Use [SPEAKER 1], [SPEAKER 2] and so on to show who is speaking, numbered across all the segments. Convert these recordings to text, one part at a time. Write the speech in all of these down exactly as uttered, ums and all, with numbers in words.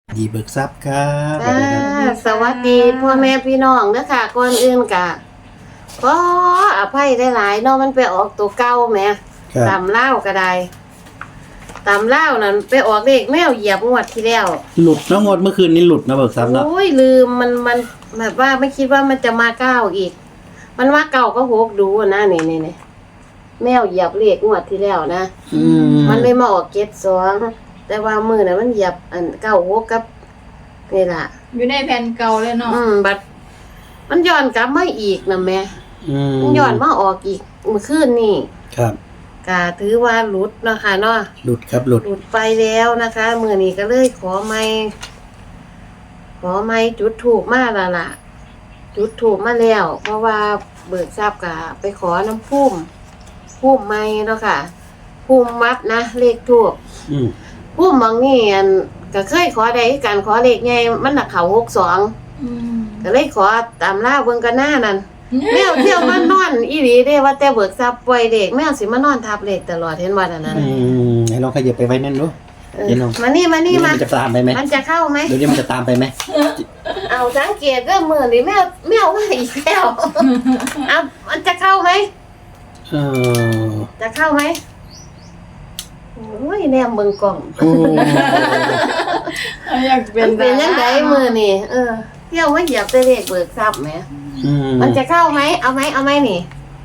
[SPEAKER 1] ดีเบิกทรัพย์ครับสวั
[SPEAKER 2] จ้า
[SPEAKER 1] สดีครับ
[SPEAKER 2] สวัสดีพ่อแม่พี่น้องเด้อค่ะก่อนอื่นกะก็อภัยได้หลายเนาะมันไปออกตัวเก่าแหม
[SPEAKER 1] ครับ
[SPEAKER 2] ตำเล่าวก็ได้ตำเล่าวนั่นไปออกเลขแมวเหยียบงวดที่แล้ว
[SPEAKER 1] หลุดนะงวดเมื่อคืนนี้หลุดนะเบิกทรัพย์เนาะ
[SPEAKER 2] โอ้ยลืมมันมันแบบว่าไม่คิดว่ามันจะมาเก้าอีก มันว่าเก่าก็หกดูอะนะนี่นี่นี่แมวเหยียบเลขงวดที่แล้วนะ
[SPEAKER 1] อืม
[SPEAKER 2] มันเลยมาออกเจ็ดสองแต่ว่ามือน่ะมันเหยียบอันเก้าหกกับนี่ล่ะ
[SPEAKER 3] อยู่ในแผ่นเก่าเลยเนาะ
[SPEAKER 2] อืมบัดมันย้อนกลับมาอีกนะแม่
[SPEAKER 1] อืม
[SPEAKER 2] มันย้อนมาออกอีกเมื่อคืนนี่
[SPEAKER 1] ครับ
[SPEAKER 2] กะถือว่าหลุดเนาะค่ะเนาะ
[SPEAKER 1] หลุดครับหลุด
[SPEAKER 2] หลุดไปแล้วนะคะมื้อนี้ก็เลยขอไม่ขอไม่จุดถูกมาและล่ะ จุดถูกมาแล้ว เพราะว่าเบิกทราบกะไปขอน้ำพุ่มพุ่มไม้เนาะค่ะพุ่มวัดนะเลขถูก
[SPEAKER 1] อืม
[SPEAKER 2] พุ่มบางนี่อันก็เคยขอได้คือกันขอเลขใหญ่มันน่ะเข้าหกสอง
[SPEAKER 3] อืม
[SPEAKER 2] ก็เลยขอตามล่าเบิ่งกันหน้านั่นแมวเที่ยวมานอนอีหลีเด้ว่าแต่เบิกทรัพย์ปล่อยเด็กแมวสิมานอนทับเด็กตลอดเห็นว่าอันนั้น
[SPEAKER 1] อืมให้ลองขยับไปไว้นั่นดู
[SPEAKER 2] เออ
[SPEAKER 1] เดี๋ยวน้อง
[SPEAKER 2] มานี่มานี่
[SPEAKER 1] เดี๋ยว
[SPEAKER 2] มา
[SPEAKER 1] มันจะตามไปไหม
[SPEAKER 2] มันจะเข้าไหม
[SPEAKER 1] เดี๋ยวนี้มันจะตามไปไหม
[SPEAKER 2] เอาสังเกตเด้อมื้อนี้แมวแมวมาอีกแล้วเอามันจะเข้าไหม
[SPEAKER 1] เออ
[SPEAKER 2] จะเข้าไหมโอ้ยแนมเบิ่งกล่อง
[SPEAKER 1] โอ้
[SPEAKER 3] อยากเป็
[SPEAKER 2] มัน นเป็นจังไดมื้อนี้เออเที่ยวมาเหยียบแต่เลขเบิกทรัพย์แหม
[SPEAKER 1] อืม
[SPEAKER 2] มันจะเข้าไหม เอาไหม เอาไหมนี่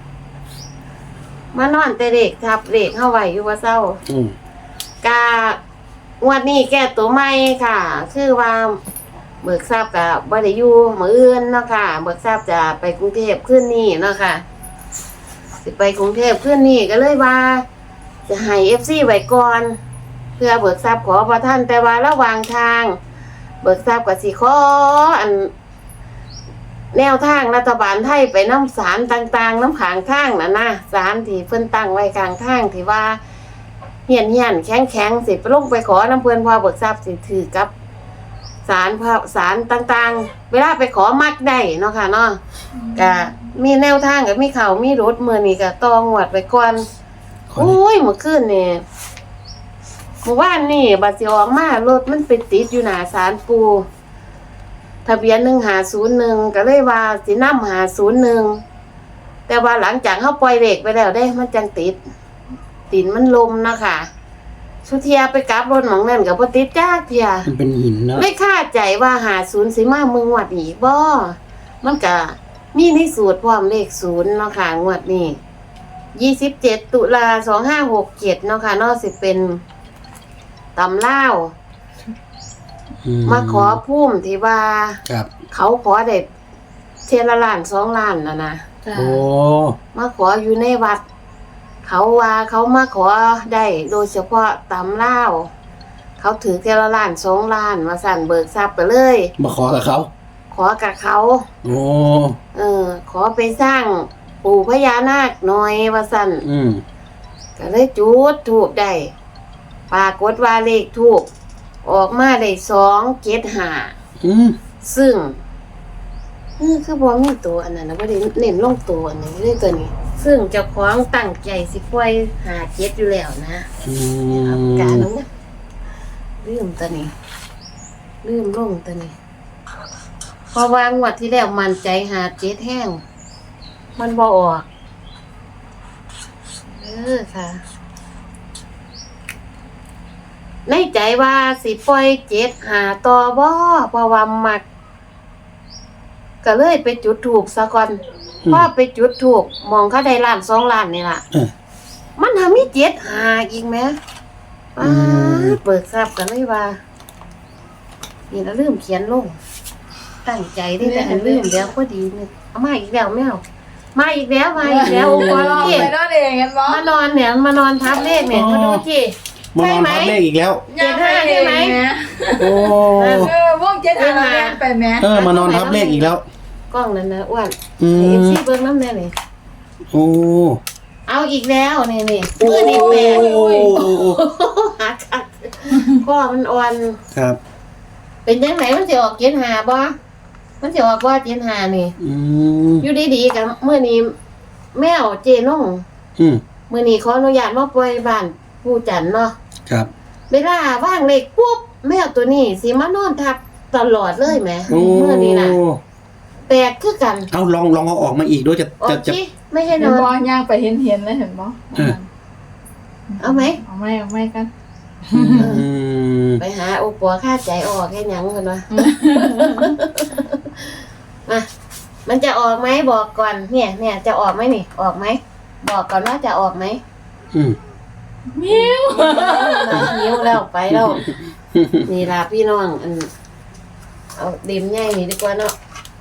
[SPEAKER 2] มานอนแต่เด็กทับเด็กเข้าไว้อยู่ว่าเศร้า
[SPEAKER 1] อืม
[SPEAKER 2] กางวดนี้แก้ตัวใหม่ค่ะ คือว่าเบิกทราบกับบ่ได้อยู่มื้ออื่นเนาะค่ะ เบิกทราบจะไปกรุงเทพขึ้นนี่เนาะค่ะ สิไปกรุงเทพขึ้นนี่ก็เลยว่า จะให้ เอฟ ซี ไว้ก่อน เพื่อเบิกทราบขอพระท่านแต่ว่าระหว่างทาง เบิกทราบกับสิขออัน แนวทางรัฐบาลไทยไปน้ำสารต่างๆ น้ำขางทางนะนะสารที่เพิ่นตั้งไว้กลางทางที่ว่าเหียนเหียนแข็งแข็งสิไปลงไปขอน้ำเพื่อนพอเบิกทรัพย์สิถือกับสารพระสารต่างๆ เวลาไปขอมักได้เนาะค่ะเนาะก็มีแนวทางกับมีเขามีรถมือนี่ก็ตองวดไปก่อน
[SPEAKER 1] ขอ
[SPEAKER 2] โอ้ยเมื่อคืนนี่เมื่อวานนี่บัดสิออกมารถมันไปติดอยู่หน้าศาลปูทะเบียนหนึ่งหาศูนย์หนึ่งก็เลยว่าสินำหาศูนย์หนึ่งแต่ว่าหลังจากเขาปล่อยเด็กไปแล้วได้มันจังติดตินมันลมเนาะค่ะสุเทียไปกลับรถหมองนั่นกับพติดจ้าเทีย
[SPEAKER 1] มันเป็นหินเนาะ
[SPEAKER 2] ไม่คาดใจว่าหาศูนย์สิมาเมืองวัดอีกบ่มันก็มีในสูตรพร้อมเลขศูนย์เนาะค่ะงวดนี้ยี่สิบเจ็ดตุลาสองห้าหกเจ็ดเนาะค่ะเนอกสิเป็นตำเล่าว
[SPEAKER 1] อื
[SPEAKER 2] มาขอพุ่มที่ว่า
[SPEAKER 1] ครับ
[SPEAKER 2] เขาขอเด็ดเทละล้านสองล้านนะนะ
[SPEAKER 3] จ้ะ
[SPEAKER 1] โอ้
[SPEAKER 2] มาขออยู่ในวัด เขาว่าเขามาขอได้โดยเฉพาะตำเล่าวเขาถือเทละล้านสองล้านมาสั่นเบิกทรัพย์ไปเลย
[SPEAKER 1] มาขอกับเขา
[SPEAKER 2] ขอกับเขา
[SPEAKER 1] โอ้
[SPEAKER 2] เออ ขอไปสร้างปู่พญานาคหน่อยว่าสั่น
[SPEAKER 1] อืม
[SPEAKER 2] ก็เลยจุดถูกได้ปรากฏว่าเลขถูกออกมาได้สองเจ็ดห้า
[SPEAKER 1] อืม
[SPEAKER 2] ซึ่งนี่คือบ่มีตัวอันนั้นนะบ่ได้เน้นลงตัวอันนี้เลยตัวนี้ ซึ่งเจ้าของตั้งใจสิปล่อยหาเจ็ดอยู่แล้วนะ
[SPEAKER 1] อื
[SPEAKER 2] เอา
[SPEAKER 1] ม
[SPEAKER 2] การลงนะลืมตัวนี้ลืมลงตัวนี้เพราะว่างวดที่แล้วมันใจหาเจ็ดแห้งมันบ่ออกเออค่ะ ในใจว่าสิปล่อยเจ็ดหาต่อบ่เพราะว่ามัก ก็เลยไปจุดถูกซะก่อนพอไปจุดถูกมองเขาได้ล้านสองล้านนี่ล่ะ
[SPEAKER 1] เออ
[SPEAKER 2] มันทำมีเจ็ดหาอีกไหม
[SPEAKER 1] อื
[SPEAKER 2] ป้าม เปิดทราบกันเลยว่า นี่เราลืมเขียนลง ตั้งใจได้แต่อันลืมแล้วพอดีเนี่ยเอามาอีกแล้วแมวมาอีกแล้วมาอีกแล้วโอ้โห
[SPEAKER 3] มาลอง
[SPEAKER 2] เจ๊
[SPEAKER 3] ไปนอนเองกันบ่
[SPEAKER 2] มานอนเนี่ยมานอนทับเลขเนี่ยมาดูที่
[SPEAKER 1] มานอนทับเลขอีกแล้ว
[SPEAKER 2] เจ็ดห้าใช่ไหม
[SPEAKER 1] โอ้
[SPEAKER 3] เออพวกเจ็ดห้าเราเรียนไปไหม
[SPEAKER 1] เออมานอนทับเลขอีกแล้ว
[SPEAKER 2] กล้องนั่นนะอ้วน
[SPEAKER 1] อื
[SPEAKER 2] เอฟ
[SPEAKER 1] ม
[SPEAKER 2] ซีเบิ้งน้ำแน่เลย
[SPEAKER 1] โอ้
[SPEAKER 2] เอาอีกแล้วนี่นี่
[SPEAKER 1] โอ้
[SPEAKER 2] มือนี่แปลก
[SPEAKER 1] โอ้โอ้
[SPEAKER 2] หาคักข้อมันอ่อน
[SPEAKER 1] ครับ
[SPEAKER 2] เป็นยังไงมันจะออกเจ็ดหาบ่มันจะออกว่าเจ็ดหานี่
[SPEAKER 1] อืม
[SPEAKER 2] อยู่ดีๆกับเมื่อนี้แมวเจนุ่ง
[SPEAKER 1] อืม
[SPEAKER 2] มื่อนี้ขออนุญาตมาปล่อยบ้านผู้จันเนาะ
[SPEAKER 1] ครับ
[SPEAKER 2] เวลาว่างเลขปุ๊บแมวตัวนี้สิมานอนทับตลอดเลยแหม
[SPEAKER 1] โอ้
[SPEAKER 2] เมื่อนี้น่ะแปลกคือกัน
[SPEAKER 1] เอาลองลองเอาออกมาอีกด้วยจะ
[SPEAKER 2] โอ
[SPEAKER 1] จะ
[SPEAKER 2] เค
[SPEAKER 1] จะ
[SPEAKER 2] ไม่ให้
[SPEAKER 3] เห็
[SPEAKER 2] น
[SPEAKER 3] น
[SPEAKER 2] อน
[SPEAKER 3] บ่ย่างไปเห็นเห็นเลยเห็นบ่
[SPEAKER 1] เออ
[SPEAKER 2] เอาไหม
[SPEAKER 3] เอาไหมเอาไหมกัน
[SPEAKER 1] อืม
[SPEAKER 2] ไปหาโอปัวค่าใจออกแค่หยังกันวะ มามันจะออกไหมบอกก่อน เนี่ย เนี่ยจะออกไหมนี่ ออกไหมบอกก่อนว่าจะออกไหม
[SPEAKER 1] อืม
[SPEAKER 3] มิ้ว
[SPEAKER 2] มาหิวแล้วไปแล้ว นี่ล่ะพี่น้องอันเอาเด็มใหญ่นี่ดีกว่าเนาะ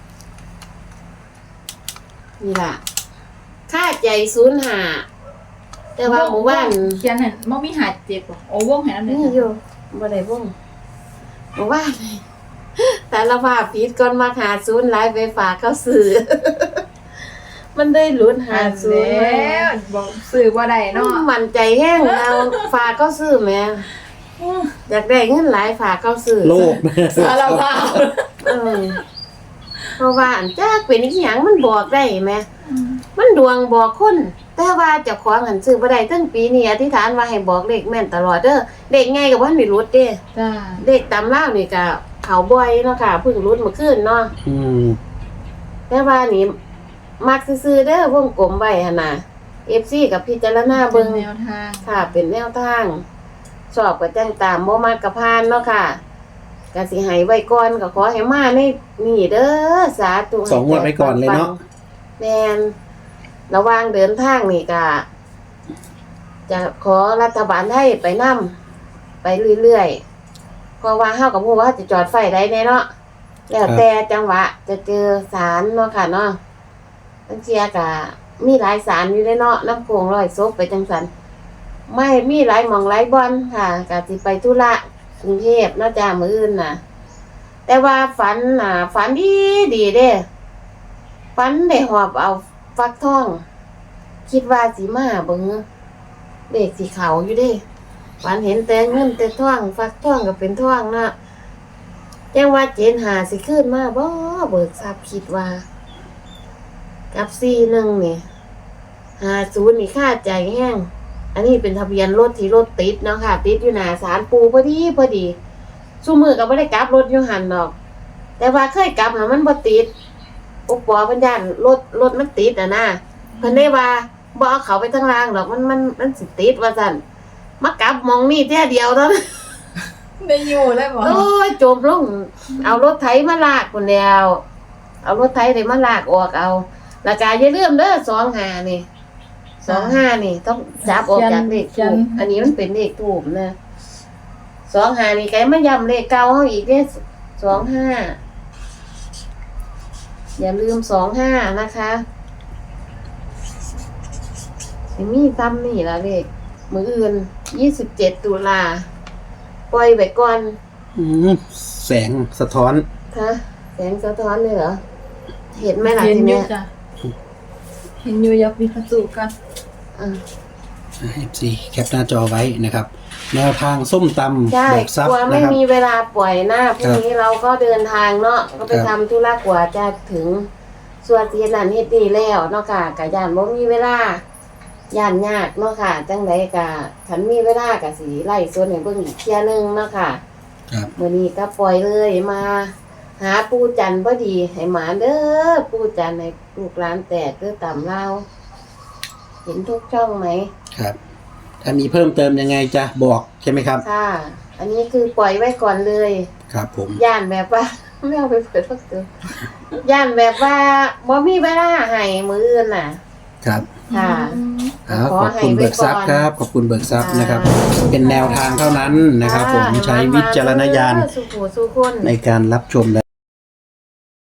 [SPEAKER 2] นี่ล่ะค่าใจศูนย์หาแต่ว่าหมู่บ้าน
[SPEAKER 3] เขียนเห็นบ่มีหาเจ็บบ่โอ้วงเห็นอันนี้
[SPEAKER 2] นี่อยู่บ่ได้วงหมู่บ้าน แต่ละภาพผิดก่อนมาหาศูนย์หลายไปฝากเขาซื้อ มันได้ลุ้นหา
[SPEAKER 3] หา
[SPEAKER 2] ศูนย์
[SPEAKER 3] แล้
[SPEAKER 2] มาว
[SPEAKER 3] บอกซื้อบ่ได้เนาะ
[SPEAKER 2] มันใจแห้งเราฝากเขาซื้อแหม่อยากได้เงินหลายฝากเขาซื้อ
[SPEAKER 1] โลก
[SPEAKER 3] สารภาพ
[SPEAKER 2] เออเพราะว่าอันจ้าเป็นอีหยังมันบอกได้แหมมันดวงบอกคน แต่ว่าเจ้าของหันซื้อบ่ได้ตั้งปีนี้อธิษฐานว่าให้บอกเลขแม่นตลอดเด้อเลขไงก็บ่ทันได้รุดเด้
[SPEAKER 3] จ้า
[SPEAKER 2] เลขตำรานี่ก็เขาบ่อยเนาะค่ะเพิ่งรุดเมื่อคืนเนาะ
[SPEAKER 1] อืม
[SPEAKER 2] แต่ว่านี่มักซื่อๆเด้อวงกลมไว้หั่นน่ะ เอฟ ซี กับพิจารณา
[SPEAKER 3] เป็
[SPEAKER 2] เบิ่
[SPEAKER 3] น
[SPEAKER 2] ง
[SPEAKER 3] แนวทาง
[SPEAKER 2] ค่ะเป็นแนวทางสอบก็แจ้งตามบ่มากกับพานเนาะค่ะก็สิให้ไว้ก่อนก็ขอให้มาในนี่เด้อสาธุ
[SPEAKER 1] สองงวดไว้ก่อนเลยเนาะ
[SPEAKER 2] แม่นระหว่างเดินทางนี่ก็จะขอรัฐบาลไทยไปนำไปเรื่อยๆเพราะว่าเฮากับฮู้ว่าจะจอดไฟได้แน่เนาะแล้วแต่จังหวะจะเจอศาลเนาะค่ะเนาะบางเทียก็มีหลายศาลอยู่เด้เนาะน้ำโขงร้อยศพไปจังซั่น ไม่มีหลายหม่องหลายบอนค่ะกะสิไปธุระกรุงเทพเนาะจ้ามื้ออื่นน่ะ แต่ว่าฝันน่ะฝันดีดีเด้ฝันได้หอบเอาฟักทอง คิดว่าสิมาเบิ่งเด็กสีขาวอยู่เด้ฝันเห็นแต่เงินแต่ทองฟักทองก็เป็นทองเนาะจังว่าเจนหาสิขึ้นมาบ่เบิกทรัพย์คิดว่า กับสี่หนึ่งนี่ห้าศูนย์นี่ค่าใจแห้ง อันนี้เป็นทะเบียนรถที่รถติดเนาะค่ะ ติดอยู่หน้าศาลปูพอดีพอดีสู้มือก็บ่ได้กลับรถอยู่หันดอก แต่ว่าเคยกลับน่ะมันบ่ติดอุปปอเพิ่นย่านรถรถมันติดอ่ะนะเพิ่นได้ว่าบ่เอาเขาไปทางล่างดอกมันมันมันสิติดว่าซั่นมากลับหมองนี่แท้เดียวเท่านั้น
[SPEAKER 3] ได้อยู่เลยบ่
[SPEAKER 2] โอ้ยจมลงเอารถไถมาลากพุ่นแล้วเอารถไถได้มาลากออกเอาแล้วก็อย่าลืมเด้อสองห้านี่ สองห้านี่ต้องจับออกจากเลขถูกอันนี้มันเป็นเลขถูกนะสองห้านี่ไกมาย้ำเลขเก่าเขาอีกเนี่ยสองห้าอย่าลืมสองห้านะคะสิมีซ้ำนี่ละเลขมืออื่นยี่สิบเจ็ดตุลาปล่อยไปก่อน
[SPEAKER 1] อืมแสงสะท้อน
[SPEAKER 2] คะแสงสะท้อนเลยเหรอ เห็นไหมล่ะ
[SPEAKER 3] เห็น
[SPEAKER 2] ที
[SPEAKER 3] อยู่
[SPEAKER 2] เนี้ย
[SPEAKER 3] จ้ะเห็นอยู่ยับมีประตูกัน
[SPEAKER 2] อ่า
[SPEAKER 1] เอฟซีแคปหน้าจอไว้นะครับ แนวทางส้มตำ
[SPEAKER 2] ใช่
[SPEAKER 1] เบิกทรัพ
[SPEAKER 2] กลั
[SPEAKER 1] ย์
[SPEAKER 2] วไม่
[SPEAKER 1] นะครับ
[SPEAKER 2] มีเวลาปล่อยหน้าพรุ่งนี้เราก็เดินทางเนาะก็ไป
[SPEAKER 1] ครั
[SPEAKER 2] ทำ
[SPEAKER 1] บ
[SPEAKER 2] ธุระกว่าจะถึงส่วนที่นั่นเฮ็ดนี่แล้วเนาะค่ะกะย่านบ่มีเวลาย่านยากเนาะค่ะ จังไดกะคันมีเวลากะสิไล่ส่วนให้เบิ่งอีกเที่ยหนึงเนาะค่ะ
[SPEAKER 1] ครับ
[SPEAKER 2] มื้อนี้ก็ปล่อยเลยมา หาปู่จันทร์พอดีให้หมาเด้อปู่จันทร์ให้ลูกหลานแตกเด้อตามเราเห็นทุกช่องไหม
[SPEAKER 1] ครับ ถ้ามีเพิ่มเติมยังไงจะบอกใช่ไหมครับ
[SPEAKER 2] ค่ะ อันนี้คือปล่อยไว้ก่อนเลย
[SPEAKER 1] ครับผม
[SPEAKER 2] ย่านแบบว่า ไม่เอาไปเปิดพักตัวย่านแบบว่าบ่มีเวลาให้มืออื่นน่ะ
[SPEAKER 1] ครับ
[SPEAKER 2] ค่ะ
[SPEAKER 1] ครับขอบคุณเบิกทรัพย์ครับ ขอบคุณเบิกทรัพย์นะครับ เป็นแนวทางเท่านั้นนะครับ ผมใช้วิจารณญาณ
[SPEAKER 2] สู่ผู้สู่คน
[SPEAKER 1] ในการรับชมและ